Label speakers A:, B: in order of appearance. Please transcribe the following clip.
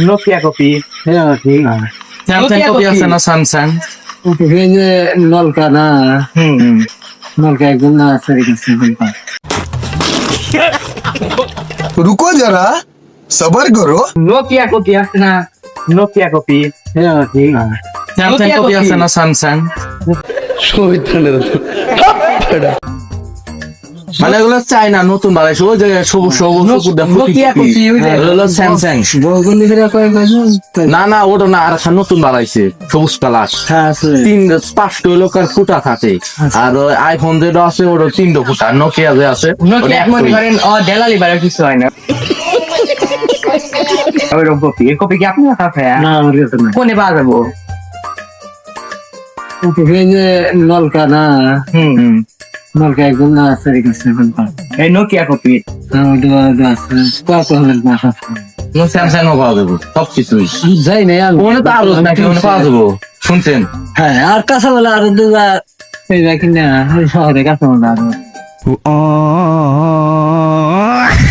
A: Nokia copy.
B: হ্যাঁ ঠিক আছে।
C: স্যামসাং কপি আছে না স্যামসাং?
B: এই যে নলকা না,
A: হুম
B: নলকা একদম না আছে রেখেছে।
D: रुको जरा सबर करो।
A: নোকিয়া কপি আছে না, নোকিয়া কপি।
B: হ্যাঁ ঠিক আছে।
C: Samsung
A: Nokia
C: copy
A: copy.
C: আছে না স্যামসাং? মানে এগুলো চাই না, নতুন বানাইছে ওই যে সবুজ সবুজ সবুজ
A: নোকিয়া কপি ওই যে।
C: হলো স্যামসাং।
B: বগুলি ফিরে কয়েক বছর
C: না না ওটা না, আর একটা নতুন বানাইছে সবুজ কালার।
B: হ্যাঁ আছে।
C: তিন পাঁচটা লোক আর ফুটা থাকে। আর ওই আইফোন যেটা আছে ওটা তিনটা ফুটা, নোকিয়া যে আছে
A: নোকিয়া
C: ওটা
A: মনে
C: একটাই।
A: করেন ডেলালি বারের কিছু হয় না। ওইরকম কপি, এই কপি কি আপনার কাছে?
B: না আমার কাছে না।
A: কোনে পাওয়া যাবো?
B: এই যে নলকা না,
A: হুম
B: নলকা একদম না আছে রেখেছে।
A: এই নোকিয়া কপি।
B: হ্যাঁ ওটা আছে। কত হলে না
C: স্যামসাং ও পাওয়া যাবো সবকিছুই।
B: যাই নাই আমি।
C: ওখানে তো আরো নাকি ওখানে পাওয়া যাবো শুনছেন?
B: হ্যাঁ আর কাঁচা বলে আরো দুটা এই দেখি না শহরে কাঁচা বলে আরো